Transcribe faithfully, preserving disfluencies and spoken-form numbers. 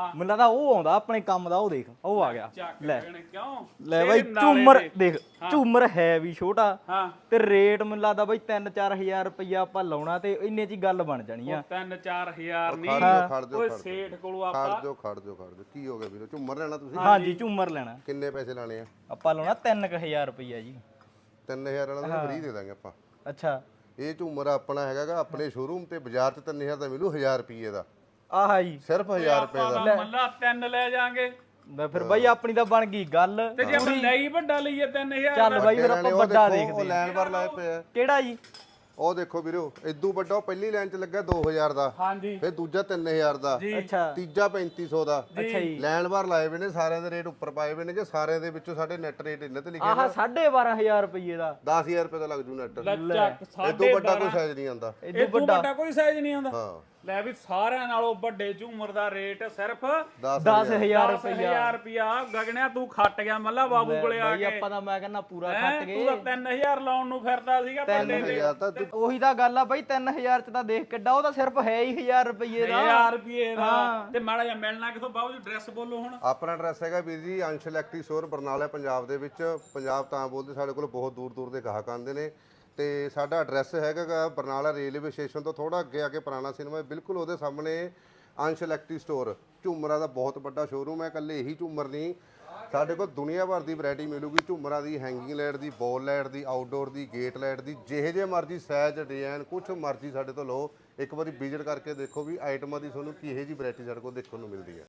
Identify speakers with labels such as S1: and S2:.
S1: ਮੈਨੂੰ ਲੱਗਦਾ ਉਹ ਆਉਂਦਾ ਆਪਣੇ ਕੰਮ ਦਾ। ਉਹ ਦੇਖ ਉਹ ਆ ਗਿਆ ਲੈ
S2: ਕਿਉਂ
S1: ਲੈ ਬਾਈ ਝੂਮਰ ਦੇਖ ਝੂਮਰ ਹੈ ਵੀ ਛੋਟਾ
S2: ਹਾਂ
S1: ਤੇ ਰੇਟ ਮੈਨੂੰ ਲੱਗਦਾ ਬਾਈ ਤਿੰਨ ਚਾਰ ਹਜ਼ਾਰ ਰੁਪਈਆ ਆਪਾਂ ਲਾਉਣਾ ਤੇ ਇੰਨੇ ਚ ਹੀ ਗੱਲ ਬਣ ਜਾਣੀ ਆ।
S2: ਤਿੰਨ ਚਾਰ ਹਜ਼ਾਰ ਨਹੀਂ
S3: ਖੜ ਜਾਓ
S2: ਓਏ ਸੇਠ ਕੋਲੋਂ ਆਪਾਂ
S3: ਖੜ ਜਾਓ ਖੜ ਜਾਓ ਖੜ ਜਾਓ ਕੀ ਹੋ ਗਿਆ ਵੀਰੋ ਝੂਮਰ ਲੈਣਾ ਤੁਸੀਂ?
S1: ਹਾਂਜੀ ਝੂਮਰ ਲੈਣਾ।
S3: ਕਿੰਨੇ ਪੈਸੇ ਲਾਣੇ ਆ?
S1: ਆਪਾਂ ਲਾਉਣਾ ਤਿੰਨ ਕੁ ਹਜ਼ਾਰ ਰੁਪਈਆ ਜੀ।
S3: ਤਿੰਨ ਹਜ਼ਾਰ ਵਾਲਾ ਤਾਂ ਫ੍ਰੀ ਦੇ ਦਾਂਗੇ ਆਪਾਂ।
S1: ਅੱਛਾ
S3: ਇਹ ਝੂਮਰ ਆਪਣਾ ਹੈਗਾਗਾ ਆਪਣੇ ਸ਼ੋਰੂਮ ਤੇ ਬਾਜ਼ਾਰ 'ਚ ਤਿੰਨ ਹਜ਼ਾਰ ਦਾ ਮਿਲੂ ਹਜ਼ਾਰ ਰੁਪਏ ਦਾ।
S1: ਆਹਾ ਜੀ
S3: ਸਿਰਫ ਹਜ਼ਾਰ ਰੁਪਏ ਦਾ
S2: ਮੱਲਾ ਤਿੰਨ ਲੈ ਜਾਾਂਗੇ
S1: ਮੈਂ ਫਿਰ ਬਾਈ ਆਪਣੀ ਤਾਂ ਬਣ ਗਈ ਗੱਲ।
S2: ਤੇ ਜੇ ਆਪਾਂ ਲਈ ਵੱਡਾ ਲਈਏ ਤਿੰਨ ਹਜ਼ਾਰ
S1: ਚੱਲ ਬਾਈ ਫਿਰ ਆਪਾਂ ਵੱਡਾ ਦੇਖਦੇ
S3: ਉਹ ਲਾਈਨ ਪਰ ਲਾਏ ਪਏ ਆ।
S1: ਕਿਹੜਾ ਜੀ?
S3: ਉਹ ਦੇਖੋ ਵੀਰੋ ਇਦੋਂ ਵੱਡਾ ਉਹ ਪਹਿਲੀ ਲਾਈਨ 'ਚ ਲੱਗਾ ਦੋ ਹਜ਼ਾਰ ਦਾ,
S2: ਹਾਂਜੀ
S3: ਫਿਰ ਦੂਜਾ ਤਿੰਨ ਹਜ਼ਾਰ ਦਾ,
S1: ਅੱਛਾ
S3: ਤੀਜਾ ਪੈਂਤੀ ਸੌ ਦਾ।
S1: ਅੱਛਾ ਜੀ
S3: ਲਾਈਨ ਪਰ ਲਾਏ ਹੋਏ ਨੇ ਸਾਰਿਆਂ ਦੇ ਰੇਟ ਉੱਪਰ ਪਾਏ ਹੋਏ ਨੇ ਜੇ ਸਾਰਿਆਂ ਦੇ ਵਿੱਚੋਂ ਸਾਡੇ ਨੈਟ ਰੇਟ ਇਹਨਾਂ ਤੇ ਲਿਖਿਆ
S1: ਆਹ ਸਾਢੇ ਬਾਰਾਂ ਹਜ਼ਾਰ ਰੁਪਈਏ ਦਾ
S3: ਦਸ ਹਜ਼ਾਰ ਰੁਪਏ ਦਾ ਲੱਗ ਜੂ ਨੈਟ।
S2: ਚੱਕ
S3: ਇਦੋਂ
S2: ਸਾਡੇ
S3: ਵੱਡਾ ਕੋਈ ਸਾਈਜ਼ ਨਹੀਂ ਆਉਂਦਾ।
S2: ਇਹ ਤੋਂ ਵੱਡਾ ਕੋਈ ਸਾਈਜ਼ ਨਹੀਂ ਆਉਂਦਾ।
S3: ਹਾਂ
S2: ਲੈ ਵੀ ਸਾਰਿਆਂ ਨਾਲੋਂ ਵੱਡੇ ਝੂਮਰ ਦਾ ਰੇਟ ਸਿਰਫ
S1: ਦਸ ਹਜ਼ਾਰ
S2: ਦਸ ਹਜ਼ਾਰ ਰੁਪਿਆ। ਗਗਨਿਆ ਤੂੰ ਖੱਟ ਗਿਆ ਮੱਲਾ ਬਾਬੂ ਕੋਲੇ ਆ
S1: ਬਾਈ
S2: ਕੇ।
S1: ਆਪਾਂ ਤਾਂ ਮੈਂ ਕਹਿੰਦਾ ਪੂਰਾ
S2: ਹੈਂ?
S1: ਖੱਟ ਗਏ।
S2: ਤੂੰ ਤਾਂ ਤਿੰਨ ਹਜ਼ਾਰ ਲਾਉਣ ਨੂੰ ਫਿਰਦਾ ਸੀਗਾ ਵੱਡੇ ਤੇ।
S3: ਹਜ਼ਾਰ ਤਾਂ ਤੂੰ
S1: ਉਹੀ ਤਾਂ ਗੱਲ ਆ ਬਾਈ ਤਿੰਨ ਹਜ਼ਾਰ ਚ ਤਾਂ ਦੇਖ ਕਿੱਡਾ। ਉਹ ਤਾਂ ਸਿਰਫ ਹੈ ਹੀ ਹਜ਼ਾਰ ਰੁਪਈਏ ਦਾ।
S2: ਹਜ਼ਾਰ ਰੁਪਏ ਦਾ ਤੇ ਮਾੜਾ ਜਿਹਾ ਮਿਲਣਾ ਕਿਥੋਂ ਬਾਬੂ ਜੀ ਡਰੈਸ ਬੋਲੋ ਹੁਣ।
S3: ਆਪਣਾ ਐਡਰੈਸ ਹੈਗਾ ਵੀਰ ਜੀ ਅੰਸ਼ ਇਲੈਕਟ੍ਰਿਕ ਸਟੋਰ ਬਰਨਾਲਾ ਪੰਜਾਬ ਦੇ ਵਿੱਚ। ਪੰਜਾਬ ਤਾਂ ਬੋਲਦੇ ਸਾਡੇ ਕੋਲ ਬਹੁਤ ਦੂਰ ਦੂਰ ਦੇ ਗਾਹਕ ਆਉਂਦੇ ਨੇ ਤੇ ਸਾਡਾ ਐਡਰੈਸ ਹੈਗਾ ਬਰਨਾਲਾ ਰੇਲਵੇ ਸਟੇਸ਼ਨ ਤੋਂ ਥੋੜਾ ਅੱਗੇ ਆ ਕੇ ਪੁਰਾਣਾ ਸਿਨੇਮਾ ਬਿਲਕੁਲ ਉਹਦੇ ਸਾਹਮਣੇ ਅੰਸ਼ ਇਲੈਕਟ੍ਰਿਕ ਸਟੋਰ। ਝੂਮਰਾਂ ਦਾ ਬਹੁਤ ਵੱਡਾ ਸ਼ੋਰੂਮ ਹੈ। ਇਕੱਲੇ ਇਹੀ ਝੂਮਰ ਨਹੀਂ ਸਾਡੇ ਕੋਲ ਦੁਨੀਆ ਭਰ ਦੀ ਵੈਰਾਈਟੀ ਮਿਲੂਗੀ ਝੂਮਰਾਂ ਦੀ, ਹੈਂਗਿੰਗ ਲਾਈਟ ਦੀ, ਬੋਲ ਲਾਈਟ ਦੀ, ਆਊਟਡੋਰ ਦੀ, ਗੇਟ ਲਾਈਟ ਦੀ। ਜਿਹੇ ਜਿਹੇ ਮਰਜ਼ੀ ਸਾਈਜ਼ ਡਿਜ਼ਾਈਨ ਕੁਛ ਮਰਜ਼ੀ ਸਾਡੇ ਤੋਂ ਲਓ। ਇੱਕ ਵਾਰੀ ਵਿਜ਼ਿਟ ਕਰਕੇ ਦੇਖੋ ਵੀ ਆਈਟਮਾਂ ਦੀ ਤੁਹਾਨੂੰ ਕਿਹੋ ਜਿਹੀ ਵੈਰਾਈਟੀ ਸਾਡੇ ਕੋਲ ਦੇਖਣ ਨੂੰ ਮਿਲਦੀ ਹੈ।